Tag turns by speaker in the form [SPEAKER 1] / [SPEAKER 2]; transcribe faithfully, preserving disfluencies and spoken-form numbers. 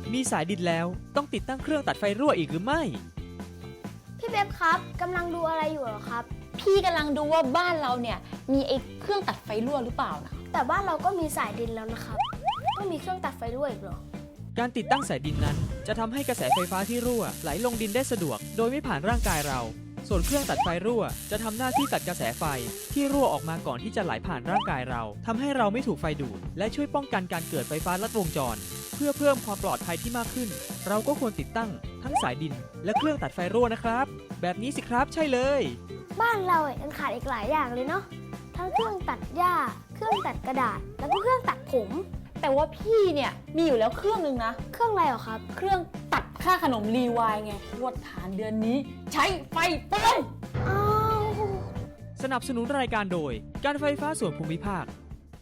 [SPEAKER 1] มีสายดินแล้วต้องติดตั้งเครื่องตัดไฟรั่วอีกหรือไม่
[SPEAKER 2] พี่เบบครับกำลังดูอะไรอยู่เหรอครับ
[SPEAKER 3] พี่กำลังดูว่าบ้านเราเนี่ยมีไอ้เครื่องตัดไฟรั่วหรือเปล่านะ
[SPEAKER 2] แต่บ้านเราก็มีสายดินแล้วนะครับต้องมีเครื่องตัดไฟรั่วอีกเหรอ
[SPEAKER 1] การติดตั้งสายดินนั้นจะทำให้กระแสไฟฟ้าที่รั่วไหลลงดินได้สะดวกโดยไม่ผ่านร่างกายเราส่วนเครื่องตัดไฟรั่วจะทำหน้าที่ตัดกระแสไฟที่รั่วออกมาก่อนที่จะไหลผ่านร่างกายเราทำให้เราไม่ถูกไฟดูดและช่วยป้องกันการเกิดไฟฟ้าลัดวงจรเพื่อเพิ่มความปลอดภัยที่มากขึ้นเราก็ควรติดตั้งทั้งสายดินและเครื่องตัดไฟรั่วนะครับแบบนี้สิครับใช่เลย
[SPEAKER 2] บ้านเรายังขาดอีกหลายอย่างเลยเนาะทั้งเครื่องตัดหญ้าเครื่องตัดกระดาษแล้วก็เครื่องตัดผม
[SPEAKER 3] แต่ว่าพี่เนี่ยมีอยู่แล้วเครื่องนึงนะ
[SPEAKER 2] เครื่องอะไรเหรอครับ
[SPEAKER 3] เครื่องตัดค่าขนมรีวายไงงวดฐานเดือนนี้ใช้ไฟเปลือง
[SPEAKER 2] อ้าว
[SPEAKER 1] สนับสนุนรายการโดยการไฟฟ้าส่วนภูมิภาค